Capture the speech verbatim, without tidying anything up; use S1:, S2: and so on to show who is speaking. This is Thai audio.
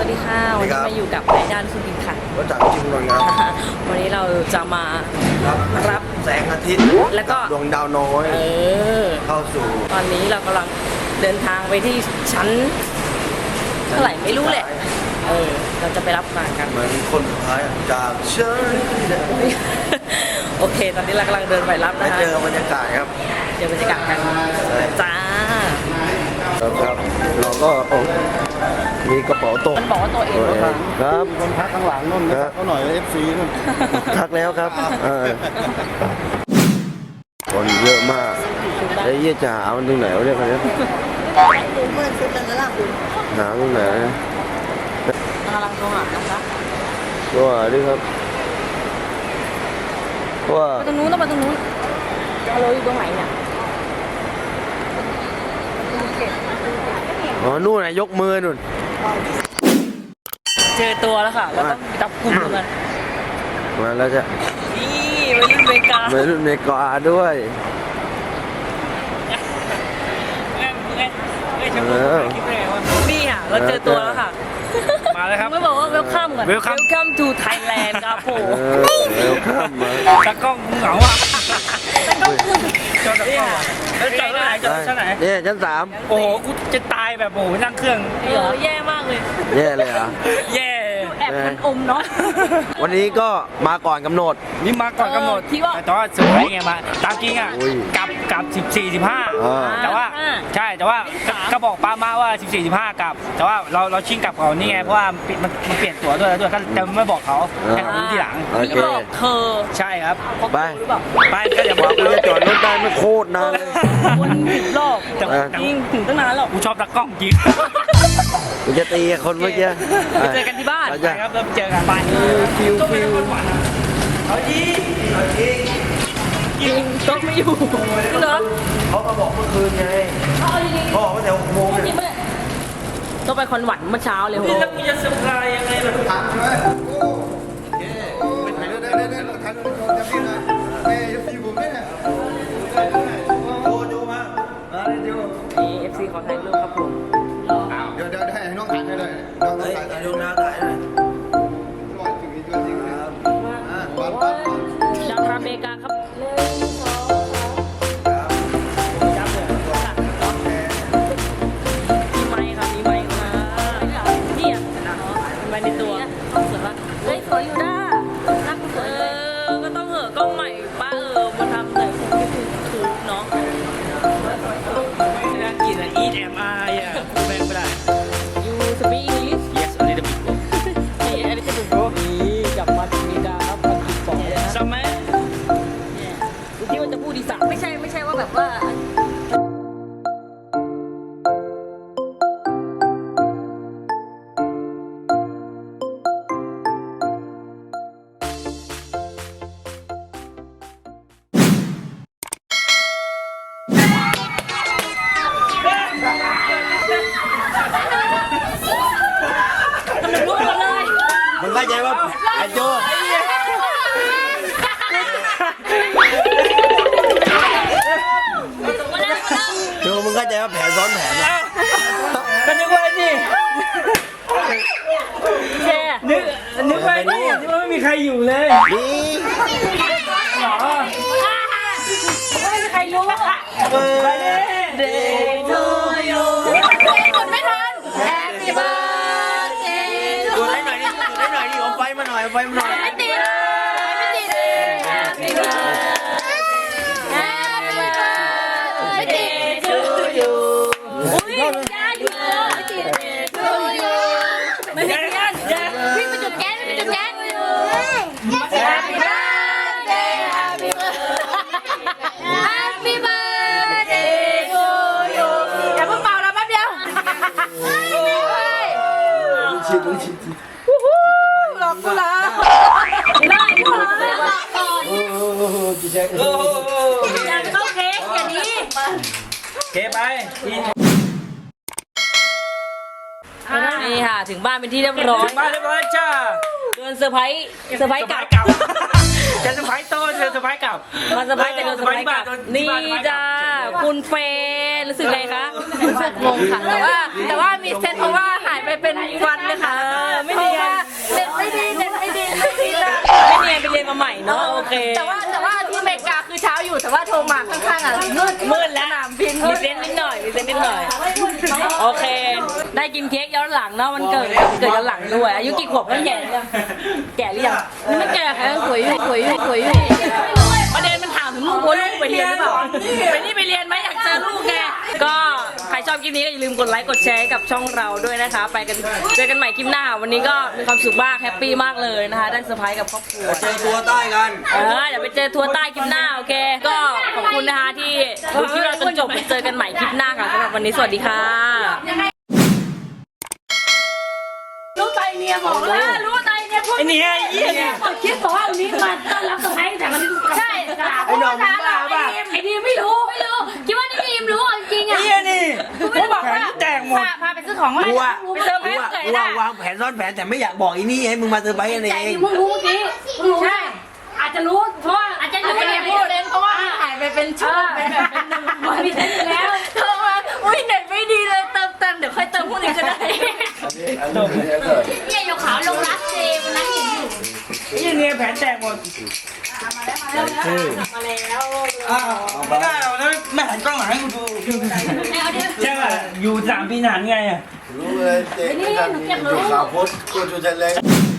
S1: วัสดีค่ะวันนี้มาอยู่กับนายด้านสุดินค่ะ
S2: รถจักรจิมนนท์ครับ
S1: วันนี้เราจะมารับ
S2: แสงอาทิตย์
S1: แล้วก็
S2: ดวงดาวน้อยเออเข้าสู่
S1: ตอนนี้เรากำลังเดินทางไปที่ชั้นเท่าไหร่ไม่รู้แหละเออเราจะไปรับงานกัน
S2: เหมือนคนสุดท้ายจากเชิญ
S1: โอเคตอนนี้เรากำลังเดินไปรับนะ
S2: ฮะเจอบรรยากาศครับ
S1: เจอบรรยากาศกันจ้า
S2: ครับเราก็มีกระเป๋าตก
S1: มันบอกว่าตัวเอง
S2: ครับ
S3: มีคนพักข้างหลังนู่นนะเขาหน่อยเอฟซีนู่น
S2: พักแล้วครับคนเยอะมากไอ้เยี่ยจ๋ามันตรงไหนวะเนี่ยคนนี้
S1: เมื่อชุดนั้นล่ะคุณ
S2: หาตรงไหน
S1: กำลังโทรหานะคะ
S2: ตัวดิครับว่า
S1: ไปตรงนู้นต้องไปตรงนู้นเราอยู่ตรงไหนเนี่ย
S2: อ๋อนู่นนะยกมือนู่น
S1: เจอตัวแล้วค่ะแล้วต้องจับกลุ่มกัน
S2: มาแล้วจะ
S1: นี่วัยรุ่นเมกา
S2: วัยรุ่นเมกาด้วย
S1: นี่ค่ะเราเจอตัวแล้วค่ะ
S3: มาแล้วครับ
S1: ไม่บอกว่า welcome ก่อน welcome to Thailand ครับผม
S2: welcome มา
S3: ตะกล้องเหงาอ่ะ
S1: ตะกล้อง
S3: จอดตะกล้องแล้วจอดที่ไหนจอดชั้นไหน
S2: เนี่ยชั้นสาม
S3: โอ้โหกูจะตายแบบโอ้โหนั่งเครื่อง
S1: เออแย่มากเลย
S2: แย่เลยอ่ะ
S3: แย่
S1: แอบมันอมเนาะ
S2: วันนี้ก็มาก่อนกำหนด
S3: นี่มาก่อนกำหนดแต่ตอนสุดท้ายไงมาตามจริงอ่ะกลับกลับสิบสี่สิบห้าแต่ว่าใช่แต่ว่าก็บอกป้ามาว่าสิบสี่สิบห้ากลับแต่ว่าเราเราชิงกลับเขานี่ไงเพราะว่ามันมันเปลี่ยนตั๋วด้วยแล้วด้วยก็แต่ไม่บอกเขาให้เขารู้ทีหลัง
S1: ไม่บอกเธอ
S3: ใช่ครับ
S2: ไป
S3: ไปก็อย่าบอก
S2: กูจะจอดรถได้ไม่โคตรนานเลย
S1: วนสิบรอบแต่ยิงถึงตั้งนานหรอก
S3: กูชอบตะกล้องจริง
S2: กูจะตีคนเมื่อกี้
S1: ไปเจอกันที่บ้าน
S3: ใช่ครับเริ่มเจอกันไป
S2: ฟิวฟิว
S3: เอาจีเอาจี
S1: ยิงโต๊ะไม่อยู่เนาะ
S2: เขามาบอกเมื่อคืนไงเขาบอกว่าแต่หกโมงเนี่ย
S1: ต้องไปคอนหวันเมื่อเช้าเลยโห
S3: นี่แล้วกูจะเซอร์ไพรส์ยังไงล่ะ
S2: ถามใช่ไหม
S1: เอฟซีขอถ่ายรูปครับผม
S2: เดี๋ยวเดี๋ยวให้น้องถ่ายให้เลยน้องถ่ายถ่ายรูปนะถ่ายเลย
S1: ดาวทาเมกาครับหนึ่งสองสามจับเลยมีไม้ครับมีไม้มานี่อ่ะมีไม้ในตัวสวยปะเฮ้ยสวยอยู่ด้านักสวยเออก็ต้องเหอะกล้องใหม่ป้าเออมาทำแต่คงไม่ถูกถูกเนาะ
S3: น่ากินอ่ะ eat am I อ่ะพูดแม่งไม่ได้
S1: you speak English
S3: yes a little bit
S1: hey a little bit bro นี่กลับมาถึงอเมริกาครับอังกฤษสองเลยนะ
S3: ใช่ไหม
S1: ที่มันจะพูดดีสักไม่ใช่ไม่ใช่ว่าแบบว่า
S2: มึงเข้าใจว่าไอ้โจโจมึงเข้าใจว่าแผนซ้อนแผนนะ
S3: ก็นึกว่านี่
S1: แช่
S3: นึกนึกว่านี่นึกว่าไม่มีใครอยู่เลย
S2: นี่
S3: หรอ
S1: ไม่มีใครรู้
S3: ไปเด้
S1: เดย์ทูยูกดไม่ทัน Happy birthday
S2: กดได้หน่อยดิกดได้หน่อยดิเอาไฟมาหน่อยเอาไฟมาหน่อย
S1: ไม่ติดไม่ติด Happy birthday to you อุ้ยยาอยู่ไม่ติด to you ไม่ติดกันพี่ไปจุดแก๊สไปจุดแก๊ส Happy birthday Happy birthday Happy birthday to you อย่าเพิ่งเป่าแล้วแป๊บเดียว
S2: ชิดดูชิด
S1: หลอกกูเหรอได้กูเหรอ
S2: โอ้โหจีแจ๊ค
S1: อย่าเข้าเค้กอย่างนี้
S3: เค้กไป
S1: นี่ค่ะถึงบ้านเป็นที่เรียบร้อย
S3: บ้านเรียบร้อยจ้า
S1: เดินเซอร์ไพรส์เซอร์ไพรส์กลับ
S3: จะเซอร์ไพรส์โตจะเซอร์ไพรส์กลับ
S1: มาเซอร์ไพรส์แต่เดินเซอร์ไพรส์กลับนี่จ้าคุณเฟย์รู้สึกไงคะรู้สึกงงค่ะแต่ว่าแต่ว่ามีเซนเพราะว่าหายไปเป็นวันเลยค่ะ
S4: เนาะโอเค
S1: แต่ว่าแต่ว่าที่อเมริกาคือเช้าอยู่แต่ว่าโทรมาข้างๆอ่ะมืด
S4: มืดแล้ว
S1: สนามบิน
S4: มีเซนนิดหน่อยมีเซนนิดหน่อยโอเค ได้กินเค้กย้อนหลังเนาะมันเกิดเกิดย้อนหลังด้วยอายุกี่ขวบก็แก่หรือยังแก่หรือยัง
S1: ไม่แก่ค่ะสวยอยู่สวยอยู่สวยอยู่
S4: ประเด็นมันถามถึงลูกว่าลูกไปเรียนหรือเปล่าไปนี่ไปเรียนไหมอยากเจอลูกไงก็ใครชอบคลิปนี้ก็อย่าลืมกดไลค์กดแชร์ให้กับช่องเราด้วยนะคะ ไปกันเจอกันใหม่คลิปหน้าวันนี้ก็มีความสุขมากแฮปปี้มากเลยนะคะได้เซอร์ไพรส์กับครอบครัว
S2: เจอตัวใต้กัน
S4: เออเดี๋ยวไปเจอทัวร์ใต้คลิปหน้าโอเค ก็ขอบคุณนะคะที่ดูคลิปเราจนจบเจอกันใหม่คลิปหน้าค่ะสำหรับวันนี้สวัสดีค่ะ
S1: รู้ใจเมียบอกแล้วรู้ใจเนี่ยพูด
S3: ไอ้เนี่ยไอ้เหี้ยเนี่ย
S1: คิดบอกว่าวันนี้มาต้อนรับสะพ้ายแต่วันนี้ใช่ไอ้หนุ่มบ้าป่ะไอ้ดีไม่รู้ไม่รู้คิดว่านี่ดีมรู้จริงอ่ะ
S3: ไอ้เหี้ยนี่
S1: กูบอกว่า
S3: แตกหมด
S1: พาพาไปซื้อของมา
S5: กูอะ
S1: ไปเซอร์ไพร
S5: กู
S1: ส์
S5: อะ
S1: เกิด
S5: กู
S1: ได้
S5: อะวางแผนซ่อนแผนแต่ไม่อยากบอกอีนี่ให้มึงมาเซอร์ไพรส์กันเอ
S1: แต่
S5: ง
S1: ดีมึงรู้เมื่อกี้มึงรู้ใช่อาจจะรู้เพราะว่าอาจจะรู้ไม่พูดเพราะว่าถ่ายไปเป็นช่วงเป็นแบบเป็นหนึ่งวันมีเส้นอยู่แล้วเธอมาอุ้ยเน็ตไม่ดีเลยเติมเติมเดี๋ยวค่อยเติมพวกนี้ก็ได้
S2: อันนี้อันนี้เกิด
S1: เนี่ยยกขาวลงรักเจวันนั้นเห็นอยู่
S3: ไอ้เหี้ยเนี่ยแผลแตกหมด
S1: มาแล้วมาแล้ว
S3: อ้าวไม่ได้หรอกนะไม่หันกล้องหลังให้กูดูใช่ป่ะอยู่สามปีนานไงอ่ะ
S2: รู้เลยเจ๊กันอยู่ข่าวโพสต์กูจะเล่น